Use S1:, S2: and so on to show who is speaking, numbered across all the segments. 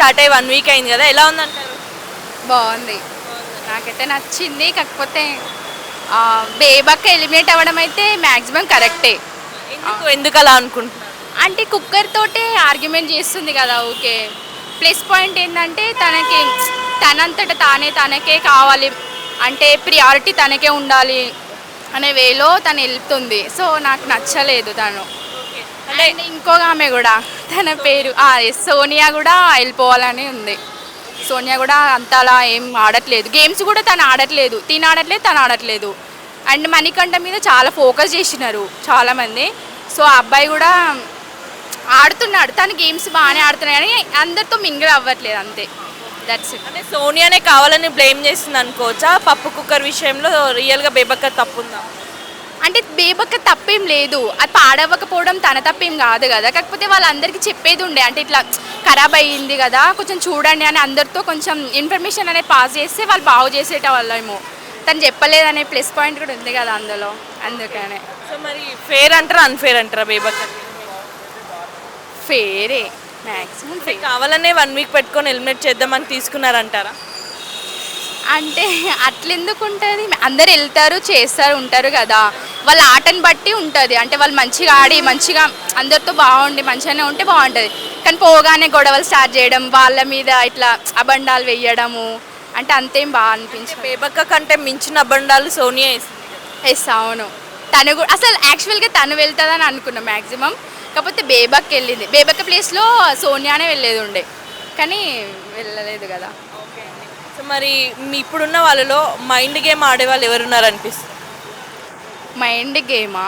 S1: Start అయ్యి 1 week అయింది కదా, ఎలా ఉందంటారు?
S2: బాగుంది, నాకైతే నచ్చింది. కాకపోతే బేబక్క ఎలిమినేట్ అవ్వడం అయితే మ్యాక్సిమం కరెక్టే.
S1: ఎందుకు అలా అనుకుంటున్నారు?
S2: అంటే కుక్కర్ తోటే ఆర్గ్యుమెంట్ చేస్తుంది కదా, ఓకే. ప్లస్ పాయింట్ ఏంటంటే తనకి తనంతట తనకే కావాలి, అంటే ప్రియారిటీ తనకే ఉండాలి అనే వేలో తను వెళ్తుంది. సో నాకు నచ్చలేదు తను. అంటే ఇంకొక ఆమె కూడా, తన పేరు సోనియా కూడా వెళ్ళిపోవాలని ఉంది. సోనియా కూడా అంతలా ఏం ఆడట్లేదు, గేమ్స్ కూడా తను ఆడట్లేదు, తను ఆడట్లేదు. అండ్ మణికంఠ మీద చాలా ఫోకస్ చేసినారు చాలామంది. సో ఆ అబ్బాయి కూడా ఆడుతున్నాడు, తను గేమ్స్ బాగానే ఆడుతున్నాడు కానీ అందరితో మింగిల్ అవ్వట్లేదు, అంతే. That's it.
S1: అంటే సోనియానే కావాలని బ్లేమ్ చేస్తుంది అనుకోవచ్చా పప్పు కుక్కర్ విషయంలో? రియల్గా బేబక్క తప్పుందా?
S2: అంటే బేబక్క తప్పేం లేదు, అది పాడవ్వకపోవడం తన తప్పేం కాదు కదా. కాకపోతే వాళ్ళందరికీ చెప్పేది ఉండే, అంటే ఇట్లా ఖరాబ్ అయ్యింది కదా కొంచెం చూడండి అని అందరితో కొంచెం ఇన్ఫర్మేషన్ అనేది పాస్ చేస్తే వాళ్ళు బాగు చేసేట వాళ్ళేమో. తను చెప్పలేదనే ప్లస్ పాయింట్ కూడా ఉంది కదా అందులో, అందుకనే.
S1: సో మరి ఫేర్ అంటారా అన్ఫేర్ అంటారా బేబక్క?
S2: ఫేరే, మ్యాక్సిమం ఫేర్.
S1: కావాలనే 1 వీక్ పెట్టుకొని ఎలిమినేట్ చేద్దామని తీసుకున్నారంటారా?
S2: అంటే అట్లెందుకు ఉంటుంది, అందరు వెళ్తారు చేస్తారు ఉంటారు కదా, వాళ్ళ ఆటని బట్టి ఉంటుంది. అంటే వాళ్ళు మంచిగా ఆడి మంచిగా అందరితో బాగుండి మంచిగానే ఉంటే బాగుంటుంది. కానీ పోగానే గొడవలు స్టార్ట్ చేయడం, వాళ్ళ మీద ఇట్లా అబండాలు వేయడము, అంటే అంతేం బాగా అనిపించింది.
S1: బేబక్క కంటే మించిన అబండాలు సోనియా వేసింది.
S2: ఎస్, అవును. తను కూడా అసలు యాక్చువల్గా తను వెళ్తుందని అనుకున్నాం మ్యాక్సిమం. కాకపోతే బేబక్క వెళ్ళింది, బేబక్క ప్లేస్లో సోనియానే వెళ్ళేది ఉండే, కానీ వెళ్ళలేదు కదా.
S1: సో మరి మీ ఇప్పుడున్న వాళ్ళలో మైండ్ గేమ్ ఆడే వాళ్ళు ఎవరున్నారు అనిపిస్తుంది?
S2: మైండ్ గేమా?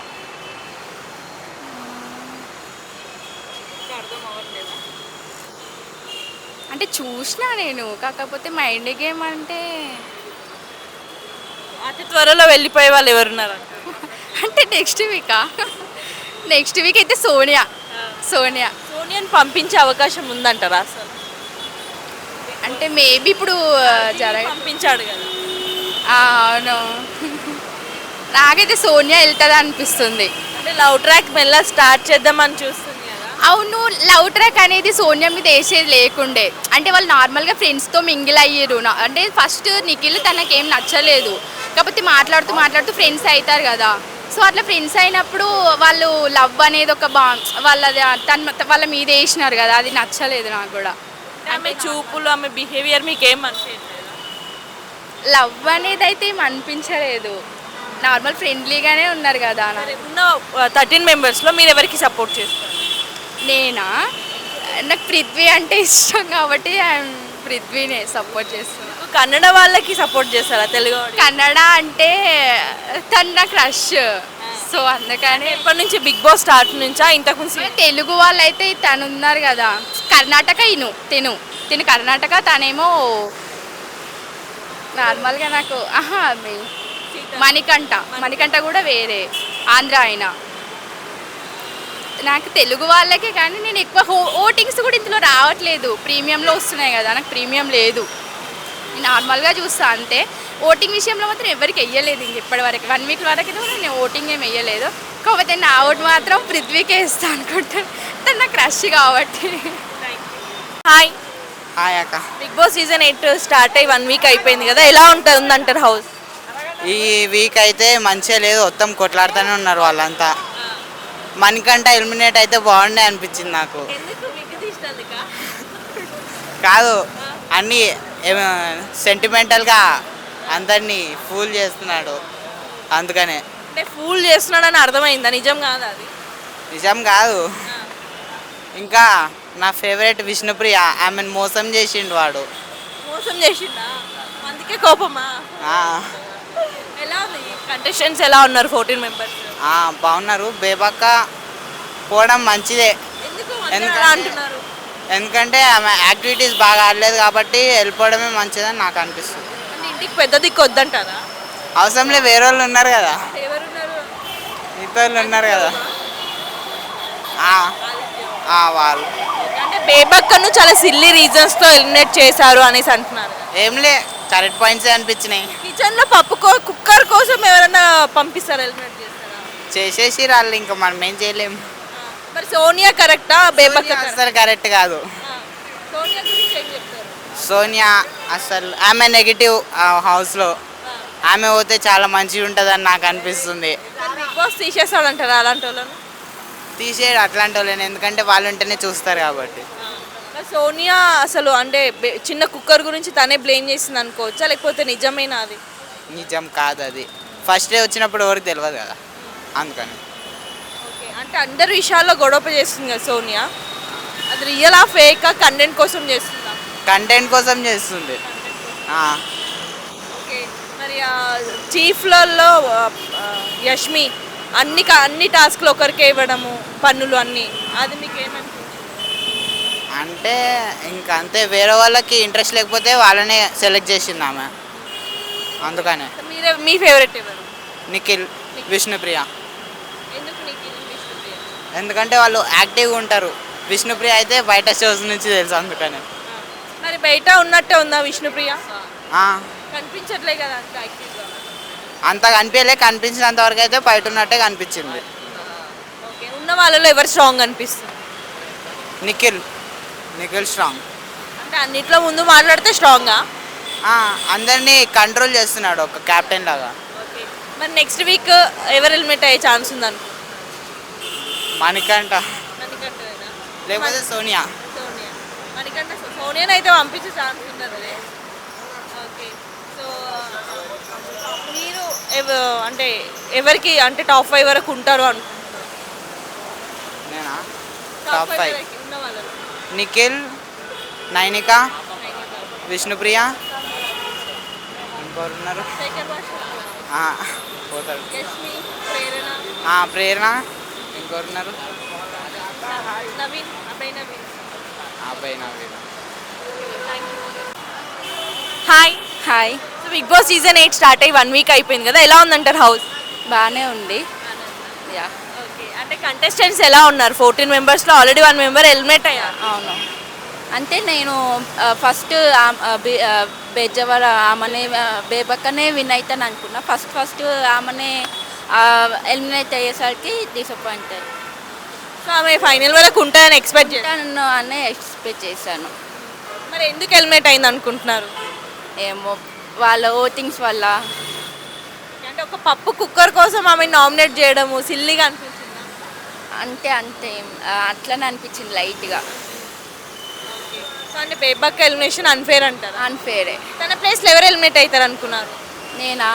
S2: అంటే చూసినా నేను, కాకపోతే మైండ్ గేమ్ అంటే
S1: అతి త్వరలో వెళ్ళిపోయే వాళ్ళు ఎవరున్నారు?
S2: అంటే నెక్స్ట్ వీక్ అయితే సోనియాని
S1: పంపించే అవకాశం ఉందంటారా అసలు?
S2: అంటే మేబీ ఇప్పుడు
S1: పంపించాడు కదా.
S2: అవును, నాకైతే సోనియా వెళ్తుంది అనిపిస్తుంది.
S1: అంటే లవ్ ట్రాక్ మెల్ల స్టార్ట్ చేద్దామని చూస్తుంది కదా.
S2: అవును, లవ్ ట్రాక్ అనేది సోనియా మీద వేసేది లేకుండే. అంటే వాళ్ళు నార్మల్గా ఫ్రెండ్స్తో మింగిల్ అయ్యారు. అంటే ఫస్ట్ నిఖిల్ తనకేం నచ్చలేదు, కాకపోతే మాట్లాడుతూ ఫ్రెండ్స్ అవుతారు కదా. సో అట్లా ఫ్రెండ్స్ అయినప్పుడు వాళ్ళు లవ్ అనేది ఒక వాళ్ళ మీద వేసినారు కదా, అది నచ్చలేదు నాకు కూడా.
S1: ఆమె చూపులు, ఆమె బిహేవియర్ మీకు ఏం అనిపించలేదు?
S2: లవ్ అనేది అయితే ఏం అనిపించలేదు, నార్మల్ ఫ్రెండ్లీగానే ఉన్నారు కదా.
S1: ఉన్న 13 మెంబర్స్లో మీరు ఎవరికి సపోర్ట్ చేస్తారు?
S2: నేనా, నాకు పృథ్వీ అంటే ఇష్టం కాబట్టి పృథ్వీనే సపోర్ట్ చేస్తున్నాను.
S1: కన్నడ వాళ్ళకి సపోర్ట్ చేస్తారా తెలుగు?
S2: కన్నడ అంటే తను నా క్రష్, సో అందుకని.
S1: ఎప్పటి నుంచి బిగ్ బాస్ స్టార్ట్ నుంచా ఇంతకు
S2: తెలుగు వాళ్ళు అయితే తను ఉన్నారు కదా, కర్ణాటక తిను కర్ణాటక, తనేమో నార్మల్గా నాకు మణికంఠ కూడా వేరే ఆంధ్ర అయినా. నాకు తెలుగు వాళ్ళకే, కానీ నేను ఎక్కువ ఓటింగ్స్ కూడా ఇందులో రావట్లేదు, ప్రీమియంలో వస్తున్నాయి కదా, నాకు ప్రీమియం లేదు, నార్మల్గా చూస్తా అంతే. ఓటింగ్ విషయంలో మాత్రం ఎవరికి వెయ్యలేదు ఇంక ఇప్పటివరకు, 1 వీక్ వరకు నేను ఓటింగ్ ఏమి వెయ్యలేదు. కాకపోతే నా ఓటు మాత్రం పృథ్వీకే ఇస్తాను అనుకుంటాను, తను నా క్రష్ కాబట్టి.
S1: హాయ్
S3: అక్క,
S1: బిగ్ బాస్ సీజన్ 8 స్టార్ట్ అయ్యి 1 వీక్ అయిపోయింది కదా, ఎలా ఉంటుందంటారు హౌస్?
S3: ఈ వీక్ అయితే మంచిగా లేదు, మొత్తం కొట్లాడుతూనే ఉన్నారు వాళ్ళంతా. మణికంఠ ఎలిమినేట్ అయితే బాగుండే అనిపించింది నాకు. కాదు, అన్నీ సెంటిమెంటల్గా అందరినీ ఫూల్ చేస్తున్నాడు, అందుకనే.
S1: అంటే ఫూల్ చేస్తున్నాడని అర్థమైందా? నిజం కాదు అది?
S3: నిజం కాదు. ఇంకా నా ఫేవరెట్ విష్ణుప్రియ, ఆమెను మోసం చేసిండు వాడు.
S1: మోసం చేసిండా? అందుకే కోపమా? ఎలా ఉంది కంటెస్టెంట్స్, ఎలా ఉన్నారు 14 మెంబర్స్?
S3: బాగున్నారు. బేబక్క పోవడం మంచిదే,
S1: అంటున్నారు
S3: ఎందుకంటే ఆమె యాక్టివిటీస్ బాగా ఆడలేదు కాబట్టి వెళ్ళిపోవడమే మంచిదని నాకు అనిపిస్తుంది.
S1: ఇంటికి పెద్ద దిక్కు వద్దంటారా?
S3: అవసరంలే, వేరే వాళ్ళు ఉన్నారు కదా,
S1: ఎవరున్నారు?
S3: మిగతా వాళ్ళు ఉన్నారు కదా వాళ్ళు.
S1: అంటే బేబక్కను చాలా సిల్లీ రీజన్స్తో ఎలిమినేట్ చేశారు అనేసి అంటున్నారు.
S3: ఏంలే, కరెక్ట్ పాయింట్సే అనిపించినాయి.
S1: కిచెన్లో కుక్కర్ కోసం ఎవరైనా పంపిస్తారు, ఎలిమినేట్ చేస్తారా?
S3: చేసేసి వాళ్ళు, ఇంకా మనం ఏం చేయలేము.
S1: మరి సోనియా కరెక్టా, బేబక్క
S3: అసలు కరెక్ట్ కాదు.
S1: సోనియా గురించి ఏం చెప్తారు?
S3: సోనియా అసలు ఆమె నెగిటివ్ హౌస్లో. ఆమె పోతే చాలా మంచిగా ఉంటుందని నాకు అనిపిస్తుంది.
S1: బిగ్ బాస్ తీసేస్తాడంటారా అలాంటి వాళ్ళను?
S3: తీసేయడు అట్లాంటి వాళ్ళని, ఎందుకంటే వాళ్ళు ఉంటేనే చూస్తారు కాబట్టి.
S1: మరి సోనియా అసలు అంటే చిన్న కుక్కర్ గురించి తనే బ్లేమ్ చేసింది అనుకోవచ్చా, లేకపోతే నిజమేనా అది?
S3: నిజం కాదు అది. ఫస్ట్ డే వచ్చినప్పుడు ఎవరికి తెలియదు కదా, అందుకని.
S1: ఓకే, అంటే అందరి విషయాల్లో గొడవ చేస్తుంది కదా సోనియా, అది రియల్ ఆ ఫేక్ కంటెంట్ కోసం చేస్తుందా?
S3: కంటెంట్ కోసం చేస్తుంది. ఆ,
S1: ఓకే, మరి చీఫ్లలో యష్మి అన్ని టాస్క్లు ఒకరికే ఇవ్వడము, పన్నులు అన్నీ, అది మీకు ఏమనిపించింది?
S3: అంటే ఇంకా అంతే, వేరే వాళ్ళకి ఇంట్రెస్ట్ లేకపోతే వాళ్ళనే సెలెక్ట్ చేసింది ఆమె, అందుకనే.
S1: మీ ఫేవరెట్ ఎవరు?
S3: నిఖిల్, విష్ణుప్రియ.
S1: ఎందుకు నీకు విష్ణుప్రియ?
S3: ఎందుకంటే వాళ్ళు యాక్టివ్గా ఉంటారు. విష్ణుప్రియ అయితే బయట షోస్ నుంచి తెలుసు, అందుకనే.
S1: మరి బయట ఉన్నట్టే ఉందా విష్ణుప్రియ?
S3: ఆ,
S1: కనిపించట్లే కదా అంత యాక్టివ్గా.
S3: అంత కనిపించలే, కనిపించినంత వరకు అయితే బయట ఉన్నట్టే కనిపించింది.
S1: ఓకే, ఉన్న వాళ్ళలో ఎవరు స్ట్రాంగ్ అనిపిస్తుంది?
S3: నిఖిల్ స్ట్రాంగ్.
S1: అంటే అన్నిట్లో ముందు మాట్లాడితే స్ట్రాంగా?
S3: అందరినీ కంట్రోల్ చేస్తున్నాడు ఒక కెప్టెన్ లాగా.
S1: ఓకే, మరి నెక్స్ట్ వీక్ ఎవరు హెల్మెట్ అయ్యే ఛాన్స్ ఉందను?
S3: మణికంఠ
S1: మణికంఠనేనా?
S3: లేకపోతే సోనియా.
S1: సోనియా. మణికంఠ సోనియాని అయితే పంపించే ఛాన్స్ ఉండదు. ఓకే, సో మీరు అంటే ఎవరికి అంటే టాప్ 5 వరకు ఉంటారు అనుకుంటున్నారు?
S3: నేనా?
S1: టాప్
S3: టాప్
S1: 5
S3: 5
S1: వరకు ఉన్న వాళ్ళలో
S3: నిఖిల్, నైనిక, విష్ణుప్రియ, ఇంకోరు ఉన్నారు.
S1: శేఖర్ భాష,
S3: పోతాడు.
S1: యష్మి, ప్రేరణ,
S3: ప్రేరణ, ఇంకోరు ఉన్నారు.
S1: నవీన్, అబ్బాయి నవీన్.
S3: అబ్బాయి Naveen.
S1: Hi.
S2: Hi,
S1: so Bigg Boss season 8 start అయ్యి 1 వీక్ అయిపోయింది కదా, ఎలా ఉందంటారు హౌస్?
S2: బాగానే ఉంది. యా,
S1: ఓకే, అంటే కంటెస్టెంట్స్ ఎలా ఉన్నారు? 14 మెంబర్స్లో ఆల్రెడీ 1 మెంబర్ హెల్మెట్ అయ్యారు.
S2: అవును. అంటే నేను ఫస్ట్ బెజవర ఆమెనే బేబక్కనే విన్ అవుతాను అనుకున్నా. ఫస్ట్ ఆమెనే ఎలిమినేట్ అయ్యేసరికి డిసప్పాయింట్ అయ్యి
S1: సో ఆమె ఫైనల్ వరకు ఉంటాయని ఎక్స్పెక్ట్ చేశాను.
S2: అనే ఎక్స్పెక్ట్ చేశాను.
S1: మరి ఎందుకు హెల్మెట్ అయింది అనుకుంటున్నారు?
S2: ఏమో వాళ్ళ ఓటింగ్స్ వల్ల.
S1: అంటే ఒక పప్పు కుక్కర్ కోసం ఆమె నామినేట్ చేయడము సిల్లీగా అనిపించింది.
S2: అంతే అట్లనే అనిపించింది లైట్గా.
S1: సో అంటే బేబక్క ఎలిమినేషన్ అన్ఫేర్ అంటారు.
S2: అన్ఫేరే.
S1: తన ప్లేస్లో ఎవరు హెల్మెట్ అవుతారు అనుకున్నారు?
S2: నేనా?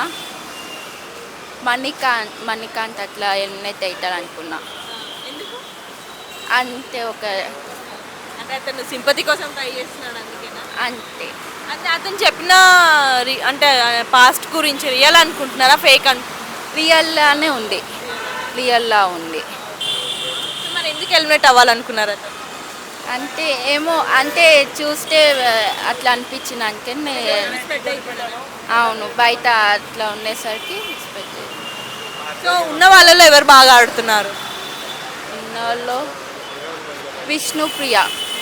S2: మణికాంత్ అట్లా ఎలిమినేట్ అవుతారు అనుకున్నా.
S1: ఎందుకు?
S2: అంతే
S1: అంటే అతను సింపతి కోసం ట్రై చేస్తున్నాడు అందుకేనా?
S2: అంతే.
S1: అంటే అతను చెప్పిన అంటే పాస్ట్ గురించి రియల్ అనుకుంటున్నారా ఫేక్
S2: రియల్లానే ఉంది. రియల్లా ఉంది.
S1: మరి ఎందుకు హెల్మెట్ అవ్వాలనుకున్నారు అతను?
S2: అంటే ఏమో అంటే చూస్తే అట్లా అనిపించింది. అందుకని అవును, బయట అట్లా ఉండేసరికి ఎక్స్పెక్ట్ చేయాలి.
S1: సో ఉన్న వాళ్ళలో ఎవరు బాగా ఆడుతున్నారు?
S2: ఉన్న వాళ్ళు విష్ణుప్రియ,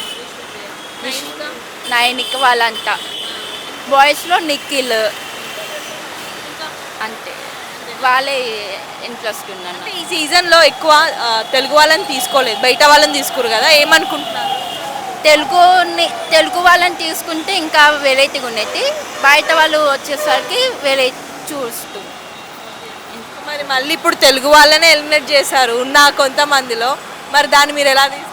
S2: నైనిక వాళ్ళంతా. బాయ్స్లో నిఖిల్, అంతే. వాళ్ళే ఇంట్రెస్ట్ ఉన్నాను.
S1: అంటే ఈ సీజన్లో ఎక్కువ తెలుగు వాళ్ళని తీసుకోలేదు, బయట వాళ్ళని తీసుకురు కదా, ఏమనుకుంటున్నారు?
S2: తెలుగు వాళ్ళని తీసుకుంటే ఇంకా వెరైటీగా ఉండేది. బయట వాళ్ళు వచ్చేసరికి వెరైటీ చూస్తూ.
S1: మరి మళ్ళీ ఇప్పుడు తెలుగు వాళ్ళనే ఎలిమినేట్ చేశారు ఉన్న కొంతమందిలో, మరి దాన్ని మీరు ఎలా తీసుకుంటున్నారు?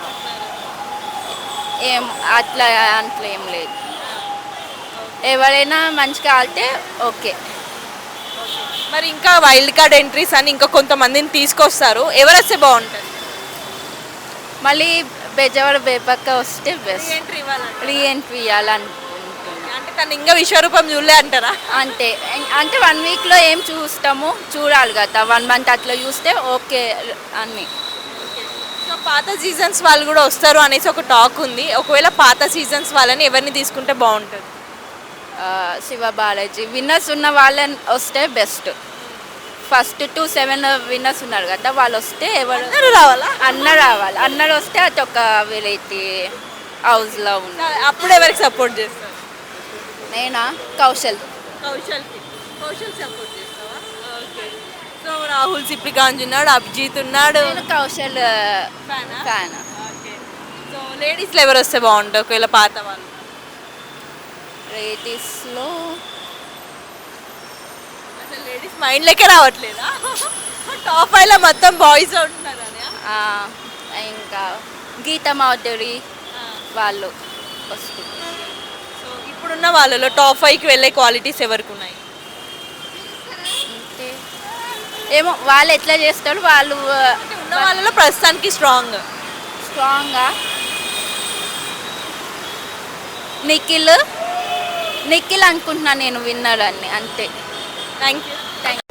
S2: అట్లా ఏం లేదు. ఎవరైనా మంచిగా ఆడితే ఓకే.
S1: మరి ఇంకా వైల్డ్ కార్డ్ ఎంట్రీస్ అని ఇంకా కొంతమందిని తీసుకొస్తారు, ఎవరు వస్తే బాగుంటుంది?
S2: మళ్ళీ బెజవాడ బేపక్క వస్తే బెస్ట్. రీఎంట్రీ ఇవ్వాలనుకుంటున్నాను.
S1: అంటే తను ఇంకా విశ్వరూపం చూడలే అంటారా?
S2: అంటే 1 వీక్లో ఏం చూస్తాము, చూడాలి కదా. 1 మంత్ అట్లా చూస్తే ఓకే అన్నీ.
S1: సో పాత సీజన్స్ వాళ్ళు కూడా వస్తారు అనేసి ఒక టాక్ ఉంది. ఒకవేళ పాత సీజన్స్ వాళ్ళని ఎవరిని తీసుకుంటే బాగుంటుంది?
S2: శివ బాలాజీ విన్నర్స్ ఉన్న వాళ్ళని వస్తే బెస్ట్. ఫస్ట్ 2-7 విన్నర్స్ ఉన్నారు కదా, వాళ్ళు వస్తే ఎవరు
S1: రావాలా?
S2: అన్నరు వస్తే అది ఒక వెరైటీ హౌస్లో ఉంది.
S1: అప్పుడు ఎవరికి సపోర్ట్ చేస్తారు?
S2: నేనా? కౌశల్
S1: సపోర్ట్ చేస్తావా? ఓకే. సో రాహుల్ సిప్లిగాంజ్ ఉన్నాడు, అభిజిత్ ఉన్నాడు.
S2: నేను కౌశల్ ఫ్యాన్.
S1: ఓకే. సో లేడీస్లో ఎవరు వస్తే బాగుంటుంది ఒకవేళ పాత వాళ్ళు?
S2: రేటిస్లో
S1: అసలు లేడీస్ మైండ్లోకే రావట్లేదా? టాప్ 5లో మొత్తం బాయ్స్ ఉంటున్నారు అని.
S2: ఇంకా గీతా మాధురి వాళ్ళు వస్తుంది.
S1: సో ఇప్పుడున్న వాళ్ళలో టాప్ 5కి వెళ్ళే క్వాలిటీస్ ఎవరికి ఉన్నాయి?
S2: అంటే ఏమో వాళ్ళు ఎట్లా చేస్తారు వాళ్ళు
S1: అంటే ఉన్న వాళ్ళలో ప్రస్తుతానికి స్ట్రాంగ్.
S2: స్ట్రాంగ్గా నిఖిల్ అనుకుంటున్నాను నేను విన్నర్ అని అంతే.
S1: Thank you.
S2: థ్యాంక్